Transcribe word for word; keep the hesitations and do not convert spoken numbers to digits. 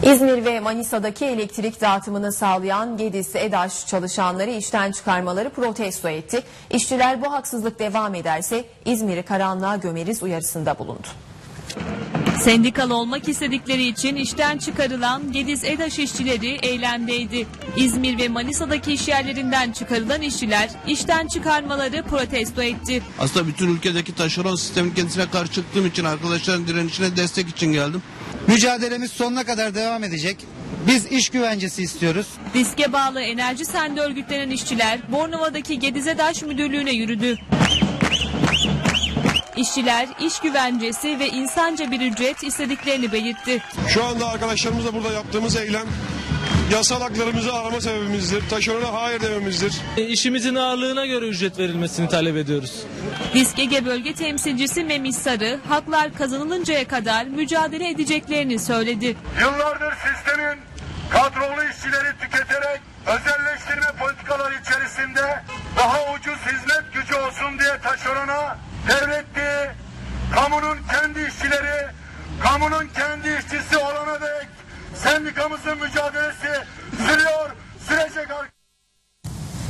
İzmir ve Manisa'daki elektrik dağıtımını sağlayan Gediz EDAŞ çalışanları işten çıkarmaları protesto etti. İşçiler bu haksızlık devam ederse İzmir'i karanlığa gömeriz uyarısında bulundu. Sendikalı olmak istedikleri için işten çıkarılan Gediz EDAŞ işçileri eylemdeydi. İzmir ve Manisa'daki işyerlerinden çıkarılan işçiler işten çıkarmaları protesto etti. Aslında bütün ülkedeki taşeron sistemin kendisine karşı çıktığım için arkadaşların direnişine destek için geldim. Mücadelemiz sonuna kadar devam edecek. Biz iş güvencesi istiyoruz. Diske bağlı Enerji Sen'de örgütlenen işçiler Bornova'daki Gediz EDAŞ müdürlüğüne yürüdü. İşçiler iş güvencesi ve insanca bir ücret istediklerini belirtti. Şu anda arkadaşlarımızla burada yaptığımız eylem yasal haklarımızı arama sebebimizdir. Taşerona hayır dememizdir. İşimizin ağırlığına göre ücret verilmesini talep ediyoruz. Disk Ege Bölge Temsilcisi Memis Sarı, haklar kazanılıncaya kadar mücadele edeceklerini söyledi. Yıllardır sistemin kadrolu işçileri tüketerek özelleştirme politikaları içerisinde daha ucuz hizmet gücü olsun diye taşerona devletti, kamunun kendi işçileri, kamunun kendi işçisi olana dek sendikamızın mücadelesi sürüyor.